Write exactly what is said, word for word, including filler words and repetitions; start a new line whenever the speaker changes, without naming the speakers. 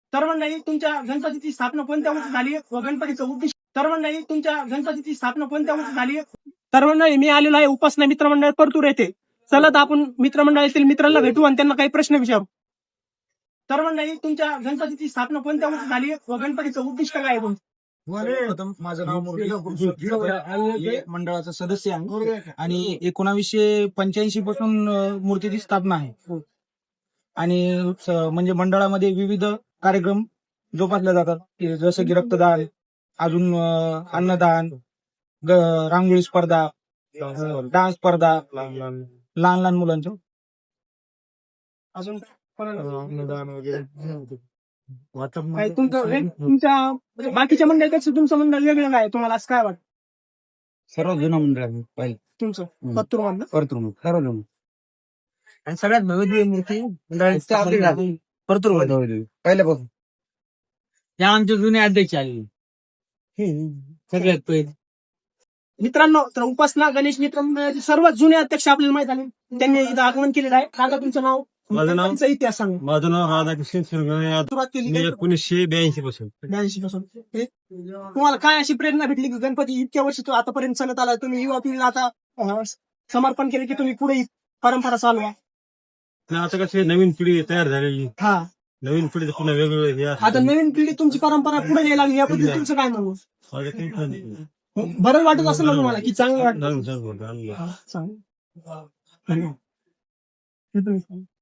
तर मंडळी तुमच्या गणपतीची स्थापना कोणत्या वर्षी झाली व गणपतीचं उद्दिष्ट तर मंडळी तुमच्या गणपतीची स्थापना कोणत्या वर्षी झाली तर मंडळी मी आलेलो आहे उपासना मित्रमंडळ परतूर येथे. चला तर आपण मित्रमंडळातील मित्रांना भेटू आणि त्यांना काही प्रश्न विचारू. तर मंडळी तुमच्या गणपतीची स्थापना कोणत्या वर्षी झाली व गणपतीचं उद्दिष्ट काय आहे तुमचं?
प्रथम माझं नाव मुरली मंडळाचा सदस्य आहे आणि एकोणावीसशे पंच्याऐंशी पासून अ, मूर्तीची स्थापना आहे. आणि स- म्हणजे मंडळामध्ये विविध कार्यक्रम जोपासले जातात की जसं की रक्तदान, अजून अ, अन्नदान, ग- रांगोळी स्पर्धा, अ, डान्स स्पर्धा लहान लहान मुलांच्या.
अजून
अन्नदान वगैरे
काय तुमचं हे- तुमच्या म्हणजे बाकीच्या मंडळापेक्षा तुमचं मंडळ वेगळं काय तुम्हाला असं काय वाटतं?
सर्व जुनं मंडळ आहे पहिले
तुमचं
हम्म.
पत्तूर मधलं
परतूर सर्व जुनं आणि सगळ्यात भव्य मूर्ती परतूर पहिल्यापासून या आमचे जुने अध्यक्ष आले सगळ्यात पहिले.
मित्रांनो, तर उपासना गणेश मित्र मंडळाचे सर्वात जुने अध्यक्ष आपल्याला माहित झाले. त्यांनी इथं आगमन केलेलं आहे. काका तुमचं नाव,
माझं नाव-
तुमचा इतिहास सांगा.
माझं नाव राधाकृष्ण सुरगणे.
सुरुवात केली
मी एकोणीसशे ब्याऐंशी पासून
ब्याऐंशी पासून. हे? तुम्हाला काय अशी प्रेरणा भेटली की गणपती इतक्या वर्ष तो आतापर्यंत चालत आला, तुम्ही युवा पिढीला आता अं, समर्पण केले की तुम्ही पुढे ही परंपरा चालवा?
आणि आता कशी नवीन पिढी तयार झालेली,
हा,
नवीन पिढी पुन्हा वेगवेगळे हे असतं.
आता नवीन पिढी तुमची परंपरा पुढे यायला लागली, याबद्दल तुमचं काय म्हणू?
माझं काही खरं नाही.
बरं वाटत असेल ना तुम्हाला की चांगलं वाटतं?
चांगलं- चांगलं- चांगलं.
हा, चांगलं. धन्यवाद. हे तुम्ही सांगा.